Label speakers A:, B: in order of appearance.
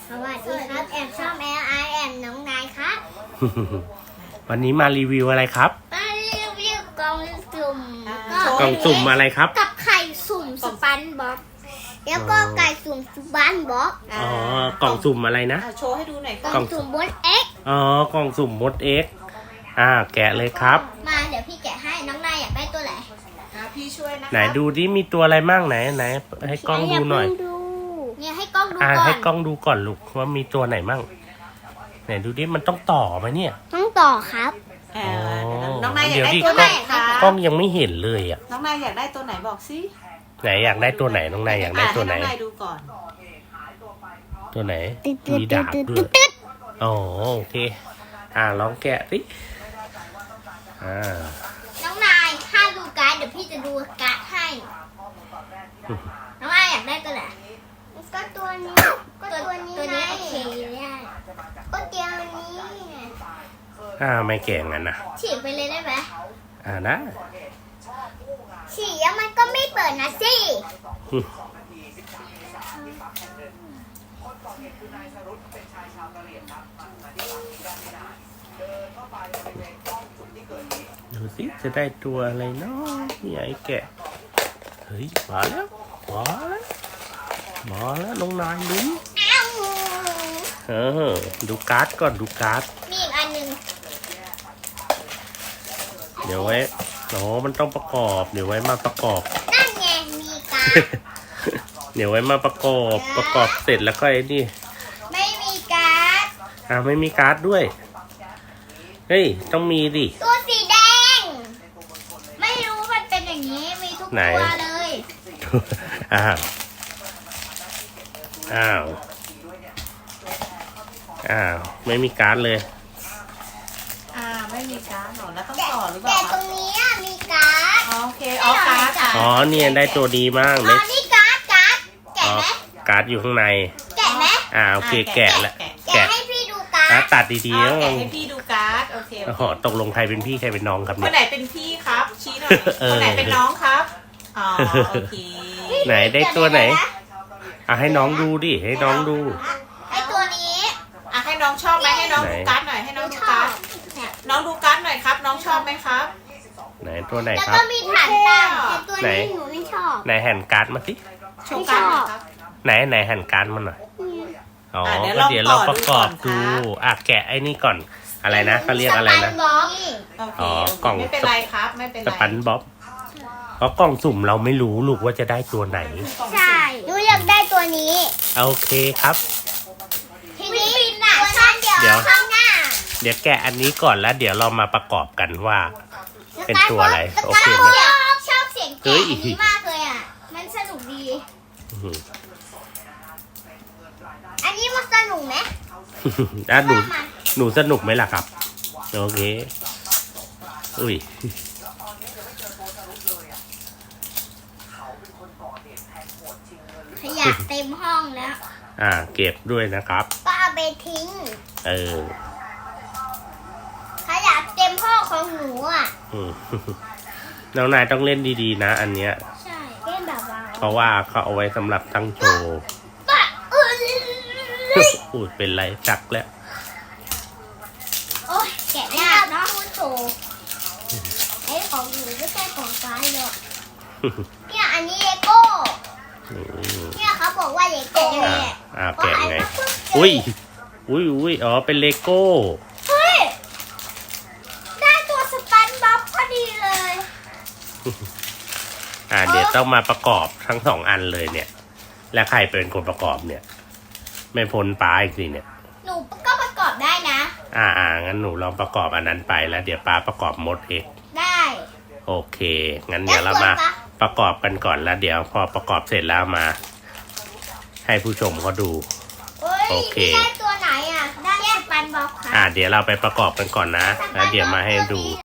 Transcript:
A: สวัสดีครับแอมชอบแอมไอแอมน้องนายครับ
B: วันนี้มารีวิวอะไรครับ
A: มารีวิวกล่องสุ่ม
B: กล่องสุ่มอะไรครับ
A: กับไข่สุ่มสปันบ็อกแล้วก็ไก่สุ่มสปันบ็อก
B: อ๋อกล่องสุ่มอะไรนะ
C: โชว์ให้ดูหน่อย
A: กล่องสุ่มบนเอ็ก
B: อ๋อกล่องสุ่มมดเอ็กแกะเลยครับ
A: มาเดี๋ยวพี่แกะให้น้องนายอยากได้ตัวไหน
C: พี่ช่วยนะคะ
B: ไหนดูดิมีตัวอะไรมั่งไหนให้กล้องดูหน่อย
A: เนี่ยให้กล้องดู
B: ให้
A: ก่อน
B: กล้องดูก่อนลูกว่ามีตัวไหนมั่งไหนดูดิมันต้องต่อไหมเนี่ย
A: ต้องต่อครับ
C: น้องนายอยาก
B: เดี๋ยว
C: ได้
B: ดิ
C: ตัวไหนคะ
B: กล้องยังไม่เห็นเลยอ่ะ
C: น้องนายอยากได้ตัวไหนบอกสิ
B: ไหนอยากได้ตัวไหนน้องนายอยากได้ตัวไหน
C: ให้น้องนายดูก่อน
B: ตัวไหน
A: ตึ๊ด
B: มีดาบด้วย
A: ตึ๊ด
B: อ๋อโอเคลองแกะสิ
A: น้องนายถ้าดูการ์ดเดี๋ยวพี่จะดูการ์ดให้ น้องนายอยากได้ตัวไหนก็ตัวนี้ก็ตัวนี้โอเคได้ก็เดียวนี้
B: ไม่แกะงั้นนะ
A: ฉีกไปเลยได้ไหม
B: นะ
A: ฉีกแล้วมันก็ไม่เปิดนะสิ
B: ดูสิจะได้ตัวอะไรเนาะนี่ไอ้แกะเฮ้ยมาแล้วน้องนายลุ้น
A: อ้าว
B: ดูการ์ดก่อนดูการ์ด
A: มีอีกอันหนึ่ง
B: เดี๋ยวไว้มันต้องประกอบเดี๋ยวไว้มาประกอบ
A: นั่นไงมีการ์ด
B: เดี๋ยวไว้มาประกอบเสร็จแล้วก็ไอ้นี่
A: ไม่มีการ์ด
B: ไม่มีการ์ดด้วยเฮ้ยต้องมีดิ
A: ตัวสีแดง ไม่รู้มันเป็นอย่างนี้มีทุก
B: ไหน
A: ตัวเลย
B: อ้าวไม่มีการ์ดเลย
C: ไม่มีการ์ดหรอแล้วต้องต่อหรือเป
A: แต่
C: ล่า
A: ตรงนี้มีการ์ด
C: โอเคการ์ด
B: เนี่ยได้ตัวดีมาก
A: อ๋
B: เล
A: อย นี่การ์ดแกะไหม
B: การ์ดอยู่ข้างใน
A: แกะไหม
B: โอเคแกะแล้ว
A: แกะให้พี่ดูการ์ด
B: ตัดดีๆ
C: แกะ
B: แล้ว
C: ให้พี่ดูการ์ดโอเค
B: ตกลงใครเป็นพี่ใครเป็นน้องครับ
C: ค
B: เนี่
C: น
B: ย
C: ไหนเป็นพี่ครับชี้หน่อยคนไหนเป็นน้องครับโอเค
B: ไหนได้ตัวไหนให้น้องดูดิให้น้องดู
A: ไอตัวนี้
C: ให้น้องชอบไหมให้น้องดูการ์ดหน่อยให้น้องดูการ์ดน้องดูการ์ดหน่อยครับ น้องชอบไหมครับ
B: ไหนตัวไหน
A: แล้ว
B: ครั
A: ก็
B: บ
A: มีฐานตั้งแต่ตัวนี้หนูไม่ชอบ
B: ไหนแห่นการ์ดมาสิ
C: โชว์การ์ดหน่อยครับ
B: ไหนแห่นการ์ดมาหน่อยก็
C: เดี๋
B: เดี๋ย
C: ยว ว
B: เรา
C: ลองต่อ
B: ประกอบ
C: ดู
B: ดู
C: ก่อนครับ
B: แกะไอ้นี่ก่อนอะไรนะเขาเรียกอะไรนะ
A: สปับ็อก
C: โอเค ไม่เป็นไรครับไม่เป็น
B: ส
C: ไร
B: ปันบ๊อบเพราะกล่องสุ่มเราไม่รู้ลูกว่าจะได้ตัวไหน
A: ใช่หนูอยากได้ตัวนี้
B: โอเคครับ
A: ทีนี้ตัวนั้นเดี๋ยวข้างหน้า
B: เดี๋ยวแกะอันนี้ก่อนแล้วเดี๋ยวเรามาประกอบกันว่า เป็นตัวอะไรโอเคไหม
A: ชอบเสียงแกะอันนี้มากเลยอ่ะ มันสนุกดี อันนี้มันสนุกไหม
B: หนูสนุกไหมล่ะครับโอเคอุ้ย
A: ขยะเต็มห้องแล้ว
B: เก็บด้วยนะครับ
A: ก็เอาไปทิ้ง ขยะเต็มห้องของหนูอ่ะ
B: น้องนายต้องเล่นดีๆนะอันเนี้ย
A: ใช่เล่นแบบว่า
B: เพราะว่าเขาเอาไว้สำหรับตั้งโชว์ พูดเป็นไรจักแล้ว
A: โอ้ยแกะยากเนาะพูดโชว์ไอ้ของหนูไม่ใช่ของฟ้าหรอกเนี่ยอันนี้เลโก้เนี่ยเขาบอกว่าเลโก้เนี่ย
B: แกะไงอุ้ยเป็นเลโก้
A: เฮ้ยได้ตัวสปันบ็อกพอดีเลย
B: เดี๋ยวต้องมาประกอบทั้งสองอันเลยเนี่ย และใครเป็นคนประกอบเนี่ย ไม่พ้นป้าอีกสิเนี่ย
A: หนูก็ประกอบได้นะ
B: งั้นหนูลองประกอบอันนั้นไปแล้วเดี๋ยวป้าประกอบมดเอง
A: ได้
B: โอเคงั้นเดี๋ยวเรามาประกอบกันก่อนแล้วเดี๋ยวพอประกอบเสร็จแล้วมา ให้ผู้ชมเขาดู โอเค
A: ได้ตัวไหนอ่ะ ได้สปันบ็อกค่ะ
B: เดี๋ยวเราไปประกอบกันก่อนนะแล้วเดี๋ยวมาให้ดู